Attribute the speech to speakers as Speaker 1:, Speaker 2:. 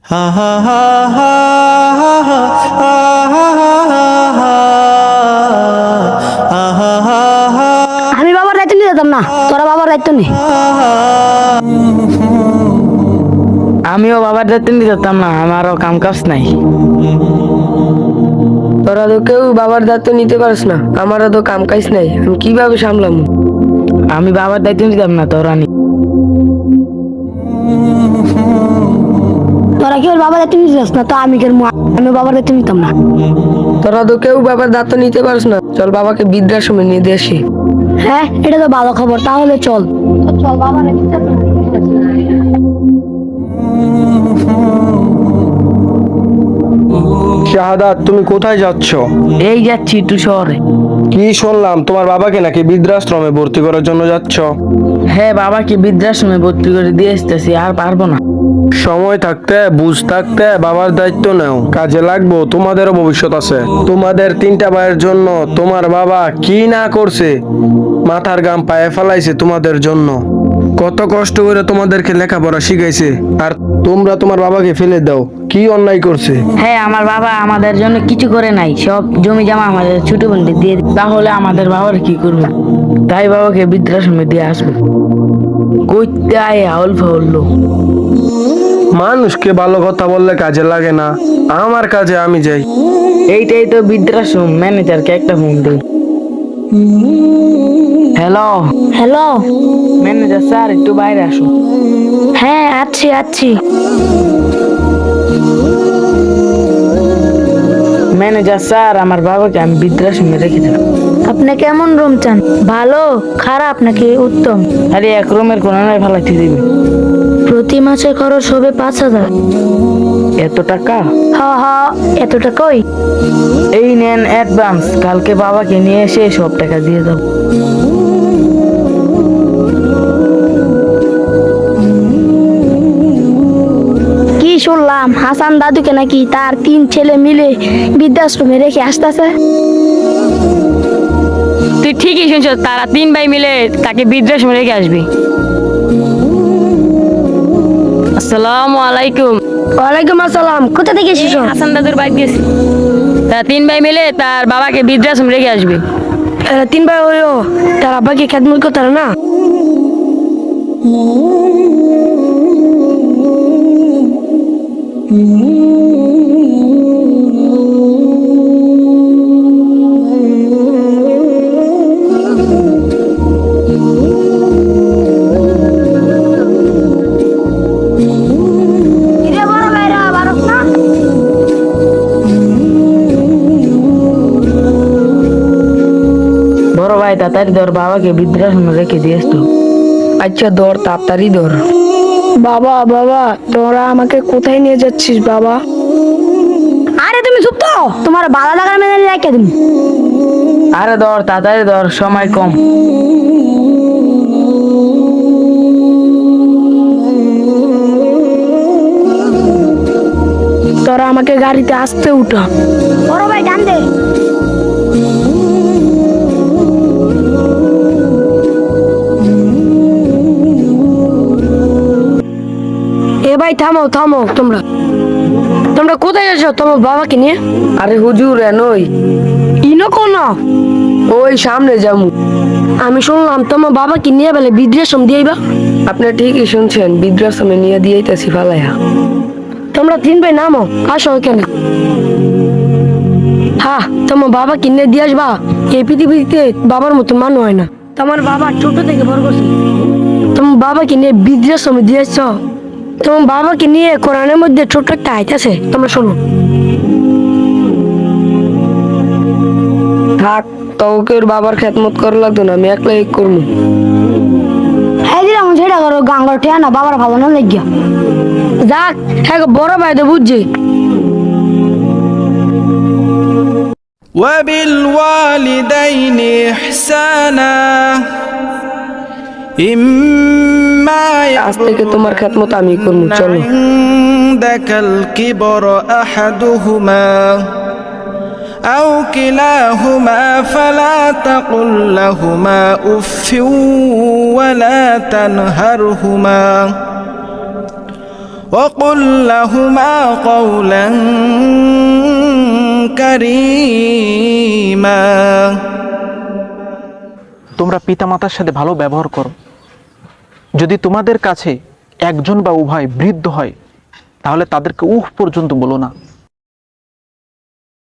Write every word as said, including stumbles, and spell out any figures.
Speaker 1: আমি বাবার দায়িত্ব নিয়ে যেতাম না, তোরা বাবার দায়িত্ব নে।
Speaker 2: আমিও বাবার দায়িত্ব নিতে যেতাম না, আমারও কাম কাজ নাই।
Speaker 3: তোরা তো কেউ বাবার দায়িত্ব নিতে পারিস না, আমারও তো কাম কাজ নাই, আমি কিভাবে সামলাম?
Speaker 2: আমি বাবার দায়িত্ব নিতাম না, তোরা নি।
Speaker 1: তোরা কেউ বাবার দায়িত্ব নিতে যাস না, তো আমি কেন আমি বাবার দায়িত্ব নিতাম না।
Speaker 3: তোরা তো কেউ বাবার দায়িত্ব নিতে পারিস না, চল বাবাকে বৃদ্ধাশ্রমে নিয়ে দিয়ে আসি।
Speaker 1: হ্যাঁ, এটা তো ভালো খবর, তাহলে চল চল বাবার
Speaker 4: শাহাদাত, তুমি কোথায় যাচ্ছ?
Speaker 2: এই যাচ্ছি একটু শহরে।
Speaker 4: কি শুনলাম তোমার বাবাকে নাকি বৃদ্ধাশ্রমে ভর্তি করার জন্য যাচ্ছ?
Speaker 2: হ্যাঁ, বাবাকে বৃদ্ধাশ্রমে ভর্তি করে দিয়ে আসতেছি, আর পারবো না।
Speaker 4: সময় থাকতে বুঝ থাকতে বাবার দায়িত্ব নাও, কাজে লাগবো, তোমাদেরও ভবিষ্যৎ আছে। তোমাদের তিনটা ভাইয়ের জন্য তোমার বাবা কি না করছে, মাথার গাম পায়ে ফেলাইছে তোমাদের জন্য, কত কষ্ট করে তোমাদেরকে লেখাপড়া শিখাইছে, আর তোমরা তোমার বাবাকে ফেলে দাও, কি অন্যায় করছে?
Speaker 2: হ্যাঁ, আমার বাবা আমাদের জন্য কিছু করে নাই, সব জমি জমা আমাদের ছোট বোনকে দিয়ে দিই। তাহলে আমাদের বাবার কি করবে? তাই বাবাকে বৃদ্ধাশ্রমে দিয়ে আসবো। কইতে আয় আউল ফাউল।
Speaker 4: মানুষকে ভালো কথা বললে কাজে লাগে না, আমার কাজে আমি যাই।
Speaker 2: এইটাই তো বৃদ্ধাশ্রম, ম্যানেজারকে একটা ফোন দিই। Hello
Speaker 1: hello.
Speaker 2: ম্যানেজার স্যার, একটু বাইরে আসুন।
Speaker 1: হ্যাঁ, আছি আছি।
Speaker 2: ম্যানেজার স্যার, আমার বাবাকে আমি বৃদ্ধাশ্রমে রেখেছিলাম।
Speaker 1: আপনি কেমন রুম চান? ভালো, খারাপ নাকি উত্তম?
Speaker 2: আরে এক রুমের কোন নয় ফালাইতে দিবি।
Speaker 1: প্রতি মাসে খরচ হবে পাঁচ হাজার।
Speaker 2: এত টাকা?
Speaker 1: হ হ, এত টাকাই।
Speaker 2: এই নেন অ্যাডভান্স, কালকে বাবাকে নিয়ে এসে সব টাকা দিয়ে দাও।
Speaker 1: কি শুনলাম হাসান দাদুকে নাকি তার তিন ছেলে মিলে বৃদ্ধাশ্রমে রেখে আসতেছে?
Speaker 2: তুই ঠিকই শুনছ, তারা তিন ভাই মিলে তাকে বৃদ্ধাশ্রমে রেখে আসবি। আসসালামু আলাইকুম।
Speaker 1: ওয়ালাইকুম আসসালাম। কোথা থেকে এসেছো?
Speaker 2: হাসান দাদুর বাইক গেছি, তারা তিন ভাই মিলে তার বাবাকে বৃদ্ধাশ্রমে রেখে আসবে।
Speaker 1: এরা তিন ভাই হইও, তার আব্বাকে খেদমত করতে না?
Speaker 2: বড় ভাই তাড়াতাড়ি ধর, বাবাকে বৃদ্ধাশ্রমে রেখে দিয়ে আসতো।
Speaker 3: আচ্ছা ধর, তাড়াতাড়ি ধর।
Speaker 1: বাবা বাবা, তোরা আমাকে কোথায় নিয়ে যাচ্ছিস বাবা? আরে তুমি চুপ তো, তোমার বালা লাগার মেনে রেখে দিন।
Speaker 2: আরে ধর, তাড়াতাড়ি ধর, সময় কম।
Speaker 1: তোরা আমাকে গাড়িতে আসতে উঠা। বড় ভাই টান দে। এ ভাই থামো থামো, তোমরা তোমরা কোথায় যাচ্ছ তোমার বাবাকে নিয়ে?
Speaker 3: আরে হুজুর, এনই
Speaker 1: ইনো কোন?
Speaker 3: ওই সামনে যামু।
Speaker 1: আমি শুনলাম তোমার বাবাকে নিয়ে বেলে বৃদ্ধাশ্রম দিয়েবা।
Speaker 3: আপনি ঠিকই শুনছেন, বৃদ্ধাশ্রমে নিয়ে দিয়েছি ফালাইয়া।
Speaker 1: তোমরা তিন ভাই নামো, আসো এখানে। হ্যাঁ, তোমার বাবা কিনে দিয়ে আসবা। এই পৃথিবীতে বাবার মতো মানুষ হয় না। তোমার বাবা ছোট থেকে বড় করছে, তোমার বাবাকে নিয়ে বৃদ্ধাশ্রমে দিয়েছ। তোমার বাবাকে নিয়ে কোরআনের মধ্যে ছোট্ট একটা আয়াত আছে, তোমরা শোনো।
Speaker 3: থাক, তোকে ওর বাবার খেদমত করা লাগতো না, আমি একলাই করবো।
Speaker 1: হ্যাঁ দিলাম, সেটা করো, গাঙ্গর ঠেয়া না, বাবার ভালো না লাগিয়া যাক। হ্যাঁ বড় ভাই তো বুঝছি।
Speaker 5: وبالوالدين إحسانا إما
Speaker 3: আজ থেকে তোমার খেদমত আমি করবো, চলো।
Speaker 5: عندك الكبر أحدهما أو كلاهما فلا تقل لهما أف ولا تنهرهما وقل لهما قولا كريما
Speaker 6: তোমরা পিতামাতার সাথে ভালো ব্যবহার করো। যদি তোমাদের কাছে একজন বা উভয় বৃদ্ধ হয় তাহলে তাদেরকে উহ পর্যন্ত বলো না।